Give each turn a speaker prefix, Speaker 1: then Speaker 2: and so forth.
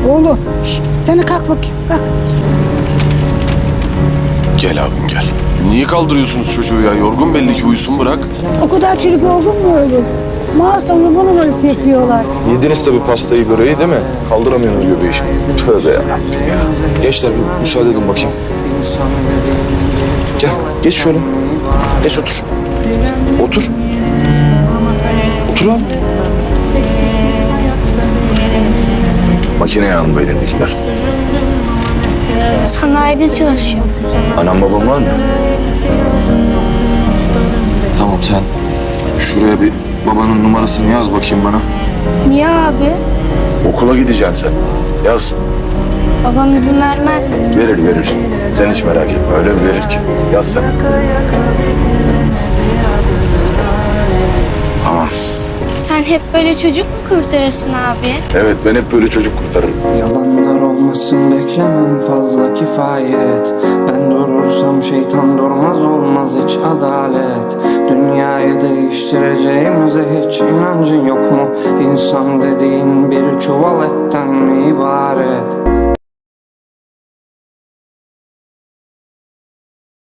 Speaker 1: Oğlum sen de kalk bakayım kalk.
Speaker 2: Gel abim gel. Niye kaldırıyorsunuz çocuğu ya? Yorgun belli ki, uyusun bırak.
Speaker 1: O kadar çocuk yorgun mu öyle? Mağazamda bu numarası yapıyorlar.
Speaker 3: Yediniz tabii pastayı böreği değil mi? Kaldıramıyorsunuz göbeği şimdi. Tövbe yarabbim ya. Gençler bir müsaade edin bakayım. Gel geç şöyle. Geç otur. Otur. Otur abi. Makine yanında elindekiler.
Speaker 4: Sanayide çalışıyorum.
Speaker 3: Anam babam var mı? Tamam sen şuraya bir babanın numarasını yaz bakayım bana.
Speaker 4: Niye abi?
Speaker 3: Okula gideceksin sen. Yaz.
Speaker 4: Babam izin vermez.
Speaker 3: Verir. Sen hiç merak etme. Öyle bir verir ki. Yaz sen. Tamam.
Speaker 4: Sen hep böyle çocuk mu kurtarırsın abi?
Speaker 3: Evet ben hep böyle çocuk kurtarırım.
Speaker 5: Yalanlar olmasın beklemem fazla kifayet. Ben durursam şeytan durmaz olmaz hiç adalet. Dünyayı değiştireceğimize hiç inancın yok mu? İnsan dediğin bir çuval etten mi ibaret?